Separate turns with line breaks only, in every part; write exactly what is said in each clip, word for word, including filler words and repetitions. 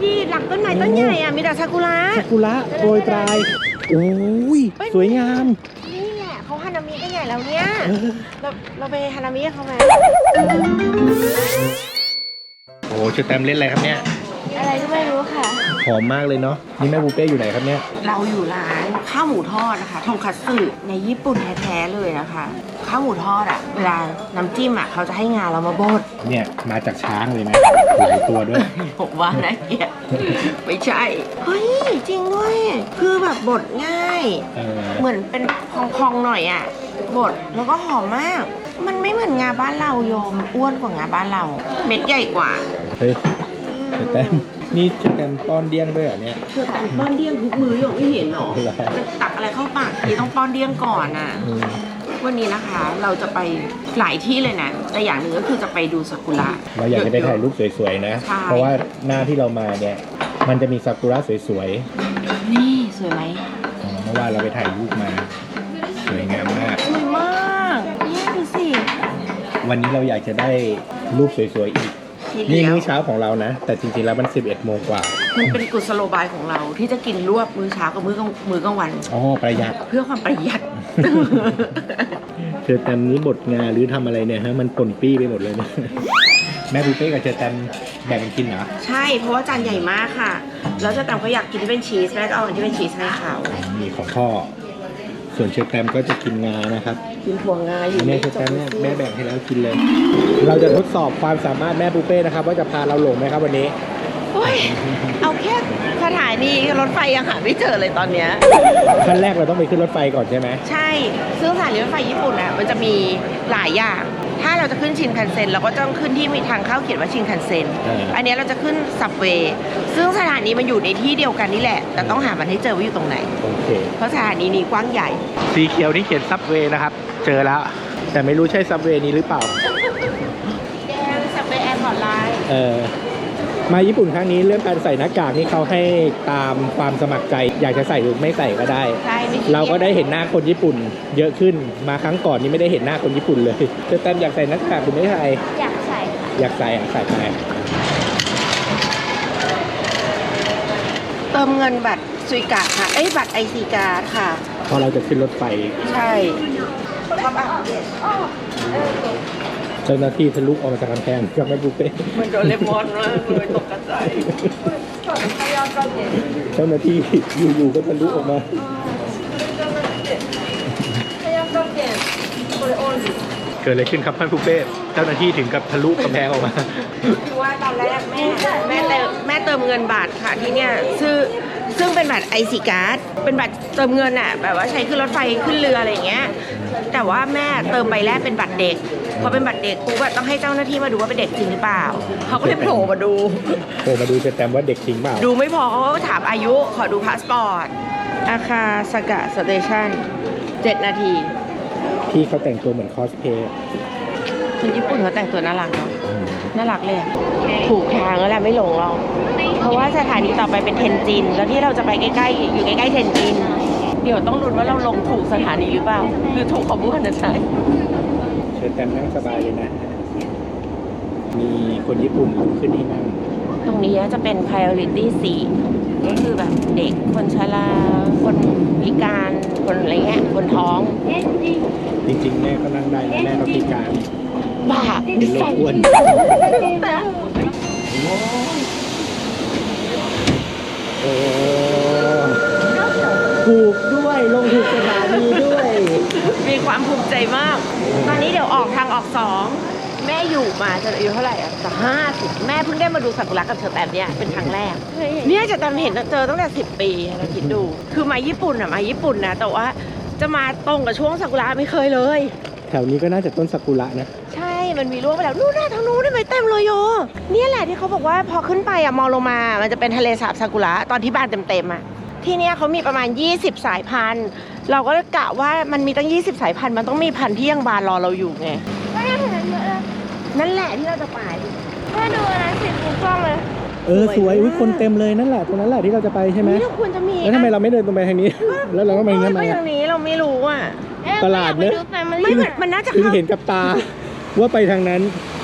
ดิหลังต้นไม้ต้นใหญ่อ่ะมีแต่ซากุระ
ซากุระโปรยปลายโอ้ยสวยงาม
นี่แหละเขาฮานามิกันใหญ่แล้วเนี่ยเราเราไปฮานามิกับเขาไหม
โอ้ชื่อแตมเล่นอะไรครับเนี่ย
อะไรก็ไม่รู้ค่ะ
หอมมากเลยเนาะนี่แม่บูเป้อยู่ไหนครับเนี่ย
เราอยู่ร้านข้าวหมูทอดนะคะทงคัตสึในญี่ปุ่นแท้ๆเลยนะคะข้าวหมูทอดอ่ะเวลาน้ำจิ้มอ่ะเขาจะให้งาเรามาบด
เนี่ยมาจากช้างเลยนะหลายตัวด้วย
ผมว่านะเกียไม่ใช่เฮ้ยจริงด้วยคือแบบบดง่ายเหมือนเป็นพองๆหน่อยอ่ะบดแล้วก็หอมมากมันไม่เหมือนงาบ้านเราโยมอ้วนกว่างาบ้านเราเม็ดใหญ่กว่า
เฮ้ยแตมนี่จะแตมป้อนเดี้ยงด้วยเหรอเนี่ย
เธอแตมป้อนเดี้ยงทุกมือโยมไม่เห็นหรอตักอะไรเข้าปากทีต้องป้อนเดี้ยงก่อนอ่ะวันนี้นะคะเราจะไปหลายที่เลยนะแต่อย่างหนึ่งก็คือจะไปดูซากุระ
เราอยากจะไปถ่ายรูปสวยๆนะเพราะว่าหน้าที่เรามาเนี่ยมันจะมีซากุระสวย
ๆนี่สวยไหม
เมื่อวานเราไปถ่ายรูปมาสวยงามมาก
สวยมากนี่ดูสิ
วันนี้เราอยากจะได้รูปสวยๆอีกนี่มื้อเช้าของเรานะแต่จริงๆแล้วมันสิบเอ็ดโมงกว่า
มันเป็นกุศโลบายของเราที่จะกินรวบมื้อเช้ากับมื้อกลางมื้อกลางวัน
อ๋อประหยัด
เพื่อความประหยัด
เชอแตมนี้บดงาหรือทำอะไรเนี่ยฮะมันป่นปี้ไปหมดเลยนะแม่บูเป้กับเชอแตมแบ่งกันกินเหรอ
ใช่เพราะว่าจานใหญ่มากค่ะแล้วเชอแตมก็อยากกินที่เป็นชีสแม่ก็เอาอันที่เป็นชีสให้เขา
มีของพ่อส่วนเชอแตมก็จะกินงานะครับ
กินถั่วงาอยู่
เนี่ยเชอแตมเนี่ยแม่แบ่งให้แล้วกินเลยเราจะทดสอบความสามารถแม่บูเป้นะครับว่าจะพาเราหลงไหมครับวันนี้
โอ้ยเอาแค่สถานีรถไฟยังหาไม่เจอเลยตอนเนี้ย
ขั้นแรกเราต้องไปขึ้นรถไฟก่อนใช่ไหม
ใช่ซึ่งสถานีรถไฟญี่ปุ่นอ่ะมันจะมีหลายอย่างถ้าเราจะขึ้นชินคันเซ็นเราก็ต้องขึ้นที่มีทางเข้าเขียนว่าชินคันเซ็นอันนี้เราจะขึ้นซับเวย์ซึ่งสถานีมันอยู่ในที่เดียวกันนี่แหละแต่ต้องหามันให้เจอว่าอยู่ตรงไหน
โอเค
เพราะสถานีนี้กว้างใหญ่
สีเขียวนี่เขียนซับเวย์นะครับเจอแล้วแต่ไม่รู้ใช่ซับเวย์นี้หรือเปล่า
แกงซับเวย์แอร์พอร์ตไลน์
เออมาญี่ปุ่นครั้งนี้เรื่องการใส่หน้ากากนี่เขาให้ตามความสมัครใจอยากจะใส่หรือไม่ใส่ก็ได้เราก็ได้เห็นหน้าคนญี่ปุ่นเยอะขึ้นมาครั้งก่อนนี่ไม่ได้เห็นหน้าคนญี่ปุ่นเลยแต่แตมอยากใส่หน้ากากหรือไม่ใส่
อยากใส่
อยากใส่อ่ะใส่ไป
เติมเงินบัตรซุยกะค่ะเอ้ยบัตรไอซีการ์ดค่ะ
พอเราจะขึ้นรถไฟ
ใช่
เจ้าหน้าที่ทะลุออกมาจากกำแพงกับแม่บูเป้
มันโดนเลมอนเลยตกกระจาย
เจ้าหน้าที่อยู่ๆก็ทะลุออกมาเกิดอะไรขึ้นครับท่านบูเป้เจ้าหน้าที่ถึงกับทะลุกำแพงออกมา
คือว่าตอนแรกแม่แม่เติมแม่เติมเงินบัตรค่ะที่เนี่ยซึ่งซึ่งเป็นบัตรไอซีการ์ดเป็นบัตรเติมเงินอ่ะแบบว่าใช้ขึ้นรถไฟขึ้นเรืออะไรอย่างเงี้ยแต่ว่าแม่เติมใบแรกเป็นบัตรเด็กพอเป็นบัตรเด็กปุ๊บต้องให้เจ้าหน้าที่มาดูว่าเป็นเด็กจริงหรือเปล่าเขาก็เลยโผล่มาดู
โผล่มาดูจะแต้มว่าเด็กจริงเปล่า
ดูไม่พอเขาก็ถามอายุขอดูพาสปอร์ตอาคาสกะสเตชันเจ็ดนาที
พี่เขาแต่งตัวเหมือนคอสเพย์
คนญี่ปุ่นเขาแต่งตัวน่ารักเนาะน่ารักเลยถูกทางแล้วแหละไม่หลงหรอกเพราะว่าสถานีต่อไปเป็นเทนจินแล้วที่เราจะไปใกล้ๆอยู่ใกล้ๆเทนจินเดี๋ยวต้องลุ้นว่าเราลงถูกสถานีหรือเปล่าคือถูกของผู้พันจะใช้
เชิญแตมนั่งสบายเลยนะมีคนญี่ปุ่นลุกขึ้นให้นั่ง
ตรงนี้จะเป็น priority สี่ก็คือแบบเด็กคนชราคนพิการคนอะไรเงี้ยคนท้อง
จริงๆแม่ก็นั่งได้นะแม่ก็พิการ
บ้า
เป็นโรคอ้วนโอ้ถูกด้วยลงถูกสถานีด้วย
มีความภูมิใจมากตอนนี้เดี๋ยวออกทางออกสองแม่อยู่มาจะอายุเท่าไหร่อ่ะจะห้าสิบแม่เพิ่งได้มาดูซากุระกับเชอแตมเนี่ยเป็นครั้งแรกเนี่ยจะแตมเห็นเจอตั้งแต่สิบปีเราคิดดูคือมาญี่ปุ่นอ่ะมาญี่ปุ่นนะแต่ว่าจะมาตรงกับช่วงซากุระไม่เคยเลย
แถวนี้ก็น่าจะต้นซากุระนะ
ใช่มันมีร่วงไปแล้วนู่นน่ะทางนู้นได้ไหมเต็มเลยโยเนี่ยแหละที่เขาบอกว่าพอขึ้นไปอ่ะมองลงมามันจะเป็นทะเลสาบซากุระตอนที่บานเต็มๆอ่ะที่เนี่ยเขามีประมาณยี่สิบสายพันธุ์เราก็กะว่ามันมีตั้งยี่สิบสายพันธุ์มันต้องมีพันธุ์ที่ยังบานรอเราอยู่ไงนั่นแหละที่เราจะไปแม่ดูนะสิบกล้องเลย
เออสวยอุ้ยคนเต็มเลยนั่นแหละตรงนั้นแหละที่เราจะไปใช่ไหม
นี่เราควรจะมี
แล้วทำไมเราไม่เดินตรงไปทางนี้แล้วเราก็ไปทางไหน
ทางนี้เราไม่รู้อ่ะ
ตลาดเนอะ
ไม่มันน่าจะ
ถึงเห็นกับตาว่าไปทางนั้น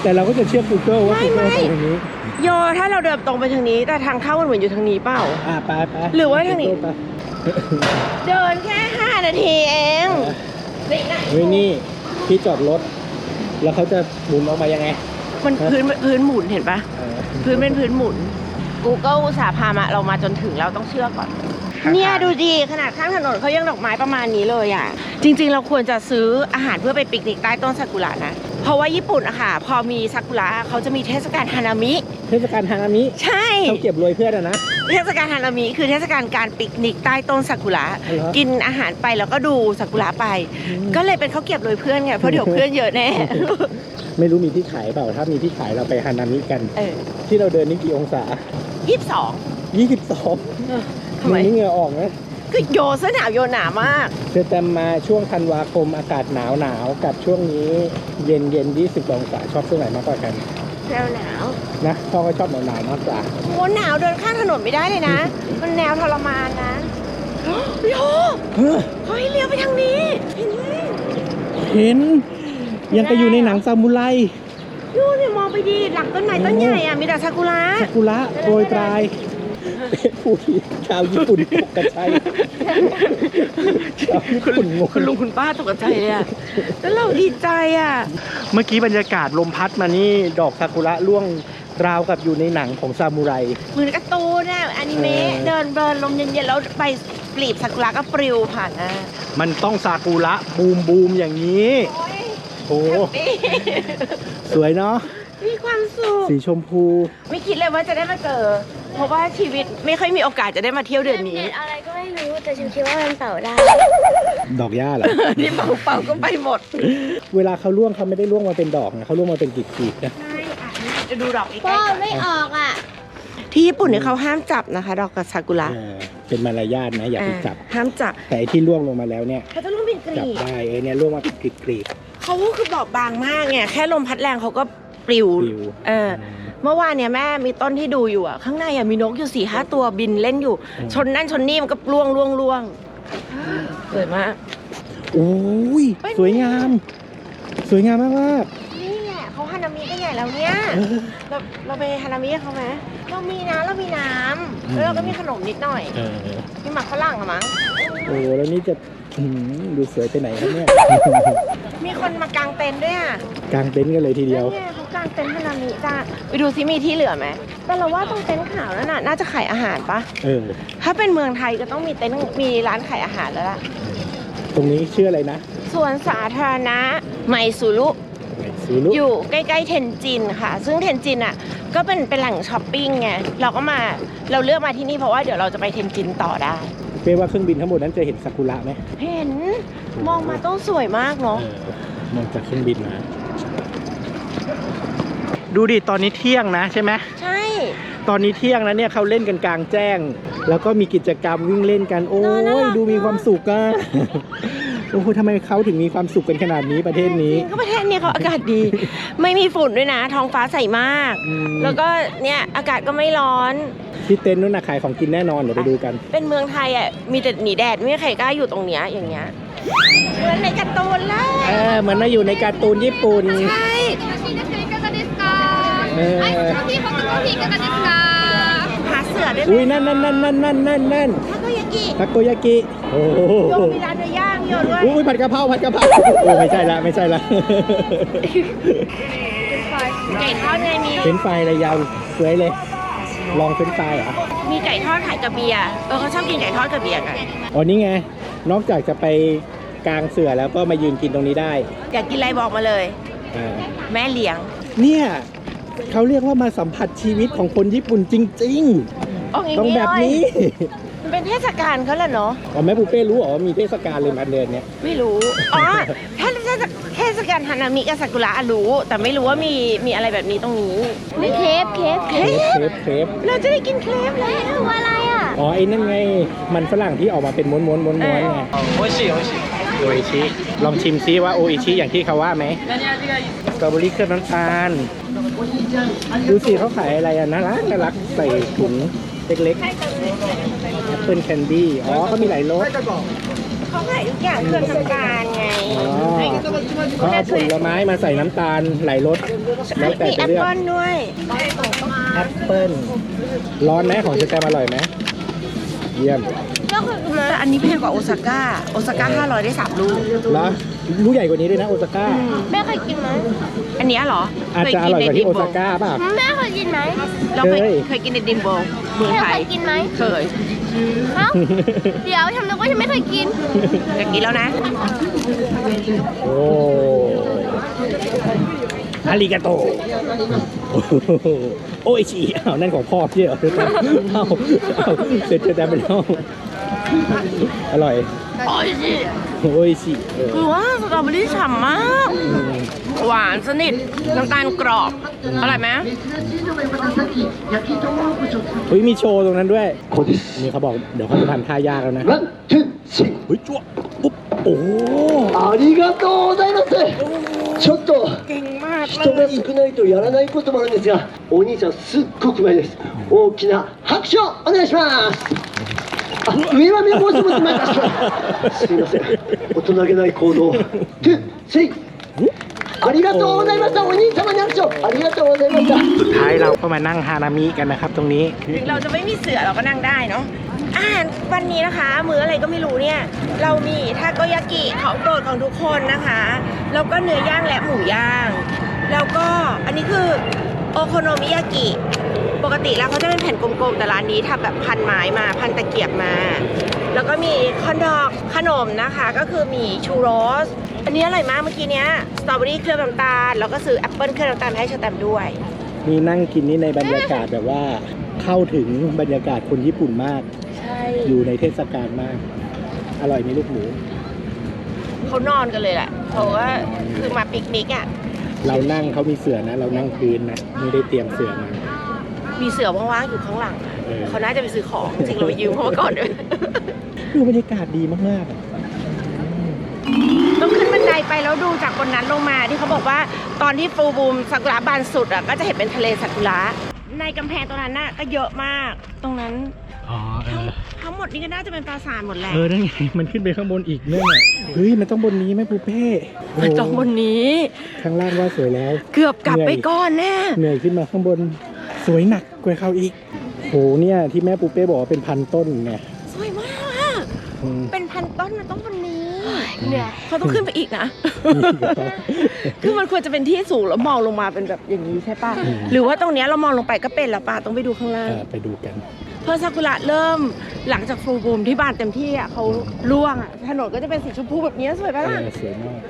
แต่เราก็จะเชื่อ Google ว่า
ไม่
Google
ไม่
ไปทางนี้
โยถ้าเราเดินตรงไปทางนี้แต่ทางเข้ามันเหมือนอยู่ทางนี้เปล่า
อ่าไปไป
หรือว่าทางนี้
ไป
เดินแค่ห้านาทีเองนี่นะ
เฮ้ยนี่ที่จอดรถ แล้วเขาจะหมุนออกมายังไง
มันพื้นพื้นหมุนเห็นปะ
เออ
พื้นเป็นพื้นหมุน Google อุตส่าห์พามาเรามาจนถึงเราต้องเชื่อก่อน เนี่ยดูดีขนาดข้างถนนเขายังดอกไม้ประมาณนี้เลยอ่ะ จริงๆ เราควรจะซื้ออาหารเพื่อไปปิกนิกใต้ต้นซากุระนะ เพราะว่าญี่ปุ่นอะค่ะพอมีซากุระเขาจะมีเทศกาลฮานามิ
เทศกาลฮานามิ
ใช่
เขาเก็บรวยเพื่อนอะนะ
เทศกาลฮานามิคือเทศกาลการปิกนิกใต้ต้นซากุระ
เหรอ
กินอาหารไปแล้วก็ดูซากุระไป
อืม
ก็เลยเป็นข้าวเก็บโดยเพื่อนไงเพราะเดี๋ยวเพื่อนเยอะแน่
ไม่รู้มีที่ขายเปล่า ถ้ามีที่ขายเราไปฮานามิกัน
เออ
ที่เราเดินนี่กี่องศา
ยี่สิบสอง
ยี่สิบสอง
ทำไม
นี่เหงื่อออกนะ
คือโยเสื้อหนาวโยหนามาก
เธอแตมมาช่วงธันวาคมอากาศหนาวหนาวกับช่วงนี้เย็นเย็นยี่สิบองศาชอบช่วงไหนมากกว่ากัน
แนวหนาว
นะพ่อก็ชอบหนาวหนาวมากกว่า
โหหนาวเดินข้างถนนไม่ได้เลยนะ มันแนวทรมานนะโย
เฮ้อ
เขาให้เลี้ยวไปทางนี้เห็นไหม
เห็น ยังก็อยู่ในหนังซามูไร
โยเนี่ยมองไปดีหลังต้นไม้ต้นใหญ่อะมีแต่ซากุระ
ซากุระโปรยปลายผู้ที่ชาวญี่ปุ่นตกกระชัยชาวญี่ปุ่นงง
คุณลุงคุณป้าตกใจเลยอะแล้วเราดีใจอะ
เมื่อกี้บรรยากาศลมพัดมานี่ดอกซากุระร่วงราวกับอยู่ในหนังของซามูไร
เหมือนการ์ตูนอะอนิเมะ
เออ
เดินเบินลมเย็นๆแล้วใบปลีบซากุระก็ปลิวผ่านหน้า
มันต้องซากุระบูมบูมอย่างนี้ โอ้
แฮปปี้
สวยเนาะ
มีความสุข
สีชมพู
ไม่คิดเลยว่าจะได้มาเจอ เพราะว่าชีวิตไม่ค่อยมีโอกาสจะได้มาเที่ยวเดือนนี้
เน็ตอะไรก็ไม่รู้แต่ฉันคิดว่ามันเป่าได้
ดอกหญ้าเหรอ
นี่เป่าเป่าก็ไปหมด
เวลาเขาร่วงเขาไม่ได้ร่วงมาเป็นดอกนะเขาร่วงมาเป็นกลีบๆนะ
ใช่อ่ะจะดูดอกอีก
พ่
ใก
อ
ล้ก่อน
ไม่ออกอ่ะ
ที่ญี่ปุ่นเนี่ยเขาห้ามจับนะคะ ดอกกับซากุระ
เออเป็นมารยาทนะอย่าไปจับ
ห้ามจับ
แต่ไอ้ที่ร่วงลงมาแล้วเนี่ย
เขาจะต้องเป็นก
จับ
รีบ
ได้เออเนี่ยร่วงมาเป็นกลีบ
เขาคือบอกบางมากไงแค่ลมพัดแรงเขาก็ปลิว
ปลิว
เออเมื่อวานเนี่ยแม่มีต้นที่ดูอยู่อ่ะข้างในอ่ะมีนกอยู่สี่ห้าตัวบินเล่นอยู่ ชนนั่นชนนี่มันก็ล่วงล่วงล่วงสวยมาก
ๆโอ้ย
เป็น
สวยงาม สวยงามมากมาก
นี่แหละเขาฮานามิกันใหญ่แล้วเนี่ย
ๆเออ
เราเราไปฮานามิกับเขาไหมเรามีนะเรามีน้
อืม
ำแล้วเราก็มีขนมนิดหน่อย
เออ
มีหมักฝรั่งอะมั้ง
โอ้แล้วนี่จะอื้อหือดูสวยไปไหนครับเนี่ย
มีคนมากางเต็นท์ด้วยอ่ะ
กางเต็นท์กันเลยทีเดียว
นั่นไงเขากางเต็นท์ฮานามิจ้าไปดูซิมีที่เหลือไหมแต่เราว่าตรงเต็นท์ขาวนั่นน่ะน่าจะขายอาหารปะ
เออ
ถ้าเป็นเมืองไทยก็ต้องมีเต็นท์มีร้านขายอาหารแล้วล่ะ
ตรงนี้ชื่ออะไรนะ
สวนสาธารณะไมซูรุ
ซูรุ
อยู่ใกล้ๆเทนจินค่ะ ซึ่งเทนจินอ่ะก็เป็นเป็นแหล่งช้อปปิ้งไงเราก็มาเราเลือกมาที่นี่เพราะว่าเดี๋ยวเราจะไปเทนจินต่อได้
เป้ว่าเครื่องบินทั้งหมดนั้นจะเห็นซากุระไหม
เห็นมองมาต้องสวยมากเนาะ
เออมองจากเครื่องบินมาดูดิตอนนี้เที่ยงนะใช่ไหม
ใช่
ตอนนี้เที่ยงแล้วเนี่ยเขาเล่นกันกลางแจ้ง แล้วก็มีกิจกรรมวิ่งเล่นกัน โอ้ยดูมีความสุขอะโอ้โหทำไมเขาถึงมีความสุขกันขนาดนี้ประเทศนี้
จริงก็ประเทศนี้เขาอากาศดี ไม่มีฝุ่นด้วยนะ ท้องฟ้าใสมาก
อืม
แล้วก็เนี่ยอากาศก็ไม่ร้อน
ที่เต็นท์นู้นนะขายของกินแน่นอนเดี๋ยวไปดูกัน
เป็นเมืองไทยอ่ะมีแต่หนีแดดไม่มีใครกล้าอยู่ตรงเนี้ยอย่างเงี้ยเหมือนในการ์ตูนเลย
เออเหมือนมาอยู่ในการ์ตูนญี่ปุ่น
ใช่
เออ
หาเสือด้วย
อุ้ยนั่นนั่นนั่นนั่นนั่นนั่นนั่น
ทาโกยากิ
ทาโกยากิโอ้โห
โยมีร้านเนื้อย่างเยอะด้วย
อุ้ยผัดกะเพราผัดกะเพราโอ้ไม่ใช่ละไม่ใช่ละ
ไก่ทอดไงมี
เป็นไฟอะไรยาวสวยเลย ลองเป็นไฟเหรอ
มีไก่ทอดขายกับเบียร์เออเขาชอบกินไก่ทอดกับเบียร์กัน
อ๋อนี่ไงนอกจากจะไปกลางเสือแล้วก็มายืนกินตรงนี้ได้
อยากกินอะไรบอกมาเลย
อ่า
แม่เลี้ยง
เนี่ยเขาเรียกว่ามาสัมผัสชีวิตของคนญี่ปุ่นจริง
อ๋อ
ๆ ต้องแบบนี้
มันเป็นเทศกาลเขาแหละเนาะ
อ๋อแม่ปูเป้รู้เหรอว่ามีเทศกาลเลยมาเดือนเนี้ย
ไม่รู้ อ๋อ ถ้าเทศกาลฮานามิกับซากุระรู้ แต่ไม่รู้ว่ามีมีอะไรแบบนี้ตรงนี้
มีเคฟเคฟ
เค
เค
ร
ร
ป
ปเครป
เราจะได้กินเครปแล้ว
คืออะไรอ่ะ
อ๋อไอ้นั่นไงมันฝรั่งที่ออกมาเป็นม้วนม้วนม้วนม้วนไงโอชิโอชิโออิชิลองชิมซิว่าโออิชิอย่างที่เขาว่าไหมสตรอเบอรี่เคลือบน้ำตาลดูสิเขาขายอะไรอ่ะน่ารักน่ารักใส่ถุงเล็กๆแอปเปิลแคนดี้อ๋อเขามีหลายรส
เขาขายทุกอย่างเครื่องทำการไง
อ๋อเขาเอาผลไม้มาใส่น้ำตาลหลายรสแล้วแต่
มี
จะ
แอป
เลือก
เปิ้ลด้วย
แอปเปิ้ลร้อนไหมของเชอแตมอร่อยไหมเยี่ยม
ก็คือแต่อันนี้แพงกว่าโอซาก้าโอซาก้าห้าร้อยได้สามลูก
แล้วลูกใหญ่กว่านี้ด้วยนะโอซาก้า
แม่เคยกินไหม
อันเนี้ยเหรอ
อาจจะอร่อยกว่าที่โอซาก้าป่ะ
แม่เคยกินไหม
เราเคย
เคย
เคยกินในดิมโบเมือง
แม่
ไท
เค
ย
ยกินไหม
เคย
เอ้าเดี๋ยวทำนึกว่าฉันไม่เคยกิน
อยากกินแล้วนะ
โอ้อาริกาโตโอ้โหโอ้ยชีอ้าวนั่นของพ่อพี่เหรอเอ้าเอ้าเสร็จจะแต่ไปแล้วอร่อย
โอ้ยสิ
โอ้ยชีเออ
คือว่าสตรอเบอรี่ฉ่ำมาก
อืม
หวานสนิทน้ำตาลกรอบอร่อยไหม
เฮ้ยมีโชว์ตรงนั้นด้วยนี่เขาบอกเดี๋ยวเขาจะทำท่ายากแล้วนะ
ワン、ツー、スリー。
เฮ้ยจั่วปุ๊บโอ้โห
ありがとうございます。ちょっと
เก่งมาก
人が少ないとやらないこともあるんですが、お兄さんすっごくうまいです。大きな拍手をお願いします。あ、上は目もう一つ前出します。すみません。大人げない行動。ツー、スリー。ありがとうございました。お兄様に拍手をありがとうございました。
สุดท้ายเราก็มานั่งฮานามิกันนะครับ ตรงนี้
ถึงเราจะไม่มีเสือเราก็นั่งได้เนาะอาหารวันนี้นะคะ มื้ออะไรก็ไม่รู้เนี่ย เรามีทาโกยากิของโปรดของทุกคนนะคะ แล้วก็เนื้อย่างและหมูย่าง แล้วก็อันนี้คือโอโคโนมิยากิ ปกติแล้วเขาจะเป็นแผ่นกลมๆ แต่ร้านนี้ทำแบบพันไม้มา พันตะเกียบมา แล้วก็มีคอนดอกขนมนะคะ ก็คือมีชูโรส อันนี้อร่อยมากเมื่อกี้เนี้ยสตรอเบอรี่เคลือบน้ำตาล แล้วก็ซื้อแอปเปิ้ลเคลือบน้ำตาลมาให้ชาแตมด้วย
นี่นั่งกินนี่ในบรรยากาศแบบว่าเข้าถึงบรรยากาศคนญี่ปุ่นมาก
ใช่
อยู่ในเทศกาลมาก อร่อยไหมลูกหมู
เขานอนกันเลยแหละเพราะว่าคือมาปิกนิกอ่ะ
เรานั่งเขามีเสื่อนะ เรานั่งพื้นนะ ไม่ได้เตรียมเสื่อมา
มีเสือว่างๆอยู่ข้างหลัง
เออ
เขาน่าจะไปซื้อของ จริงเราไปยืมเขามาก่อนด้วย
ดูบรรยากาศดีมากๆอะ
ต้องขึ้นบันไดไปแล้วดูจากบนนั้นลงมาที่เขาบอกว่าตอนที่ฟูบูมซากุระบานสุดอ่ะก็จะเห็นเป็นทะเลซากุระในกำแพงตรงนั้นน่ะก็เยอะมาก ตรงนั้น
อ๋อเออ
ทั้งหมดนี่ก็น่าจะเป็นปราสาทหมดแหละ
เออนั่นไง มันขึ้นไปข้างบนอีกเนี่ยเฮ้ย มันต้องบนนี้ไหมปูเป้โ
มันต้องบนนี้
ข้างล่างว่าสวยแล้ว
เกือบกลับไปก่อนแน่
เหนื่อยขึ้นมาข้างบนสวยหนักกว่าเขาอีกโหเนี่ยที่แม่ปูเป้บอกว่าเป็นพันต้นไง
สวยมากอะ
อืม
เป็นพันต้นมันต้องบนนี้
เหนื่อย
เขาต้องขึ้นไปอีกนะ คือมันควรจะเป็นที่สูงแล้วมองลงมาเป็นแบบอย่างนี้ใช่ป่ะ
อืม
หรือว่าตรงเนี้ยเรามองลงไปก็เป็นแล้วป่ะต้องไปดูข้างล่าง
อ่าไปดูกัน
เพราะซากุระเริ่มหลังจากฟูลบูมที่บานเต็มที่อ่ะเขาร่วงอ่ะถนนก็จะเป็นสีชมพูแบบนี้สวยป่ะ
เอ
ล่ะ
อสวยมาก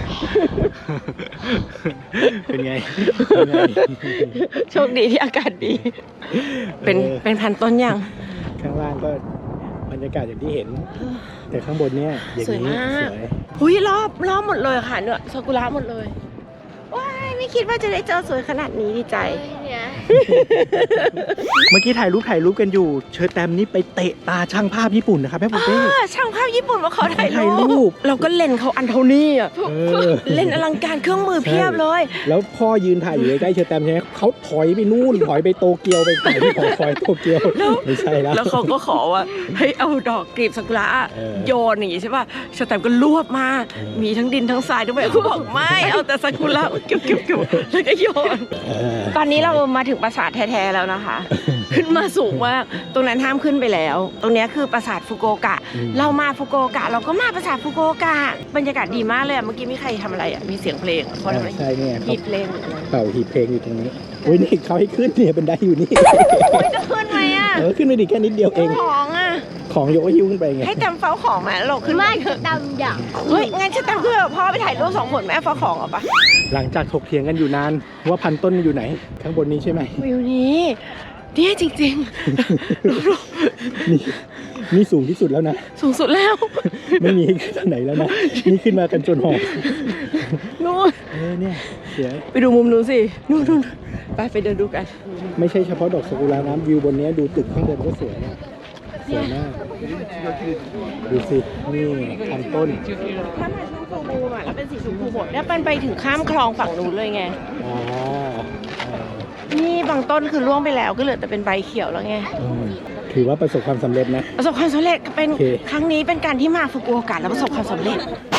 เป็นไงเป็นไง
โชคดีที่อากาศดี เป็น
เออ
เป็นพันต้นยัง
ข้างล่างก็บรรยากาศอย่างที่เห็น แต่ข้างบนเนี่ยอย่าง
สวย
นี้
มาก
สวย
หุยรอบรอบหมดเลยค่ะเนี่ยซากุระหมดเลยว้ายไม่คิดว่าจะได้เจอสวยขนาดนี้ดีใจ
เนี่ย
เมื่อกี้ถ่ายรูปถ่ายรูปกันอยู่ เชิญแตมนี่ไปเตะตาช่างภาพญี่ปุ่นนะครับแม่ปูเป้
อ่าช่างภาพญี่ปุ่นมาขอถ่าย
ถ่ายรู
รู
ป
ปเราก็เล่นเขาอันเท่านี้อ่ะ
เออ
เล่นอลังการเครื่องมือเพียบเลย
แล้วพ่อยืนถ่ายอยู่ใกล้ๆเชอร์แตมใช่ไหมเขาถอยไปนู่น ถอยไปโตเกียวไปถ่ายที่หอคอยโตเกียว
แล้ว
ไม่ใช่แล้ว
แล้วเขาก็ขอว่าให้เอาดอกกลีบซากุระ
เออ
โยนอย่างงี้ใช่ป่ะชาแตมก็รวบมา
เออ
มีทั้งดินทั้งทรายด้วยเขาบอกไม่เอาแต่ซากุระเก็บเก็บเก็บแล้วก็โยน
เออ
ตอนนี้เรามาถึงปราสาทแท้ๆแล้วนะคะ ขึ้นมาสูงมากตรงนั้นห้ามขึ้นไปแล้ว ตรงเนี้ยคือปราสาทฟุกุโอกะ
อืม
เรามาฟุกุโอกะเราก็มาปราสาทฟุกุโอกะบรรยากาศดีมากเลยอะเมื่อกี้มีใครทำอะไรอ่ะมีเสียงเพลงเขาทำอะไร
ใช่เนี่ยเขา
มีเพลงหรืออะไร
เป่าหีบเพลงอยู่ตรงนี้อุ้ยนี่เขาให้ขึ้นเนี่ยบันไดอยู่นี่
โอ้ยจะขึ้นไหมอ่ะ
เออขึ้นไปดิแค่นิดเดียวเอง
ของอ่ะ
ของยกหิ้วขึ้นไปไง
ให้แตมเฝ้าของมาแล้วเราขึ้น
ไม่
เถอะ
ดำอย่าง
เฮ้ยงั้นฉันแตมขึ้นไปกับพ่อไปถ่ายรูปสองคนแม่เฝ้าของเหรอปะ
หลังจากถกเถียงกันอยู่นานว่าพันต้นอยู่ไหน ข้างบนนี้ใช่ไหม
วิวนี้เนี่ยจริงๆ รูป
นี่นี่สูงที่สุดแล้วนะ
สูงสุดแล้ว
ไม่มีให้ขึ้นที่ไหนแล้วนะ นี่ขึ้นมากันจนหอบ
นู่น
เออเนี่ยสวย
ไปดูมุมนู้นสินู่นนู่นไปไปเดินดูกัน
ไม่ใช่เฉพาะดอกซากุระน้ำวิวบนเนี้ยดูตึกข้างบนก็สวยนะสวยมาก ดูสิ นี่พันต้น
ถ้ามาช่วงฟูบูมอ่ะแล้วเป็นสีชมพูหมดเนี่ยเป็นไปถึงข้ามคลองฝั่งนู้นเลยไง
อ๋อเออ
นี่บางต้นคือร่วงไปแล้วก็เหลือแต่เป็นใบเขียวแล้วไง
อืมโอเคถือว่าประสบความสำเร็จนะ
ประสบความสำเร็จเป็น
โอเค
ครั้งนี้เป็นการที่มาฟุกุโอกะแล้วประสบความสำเร็จ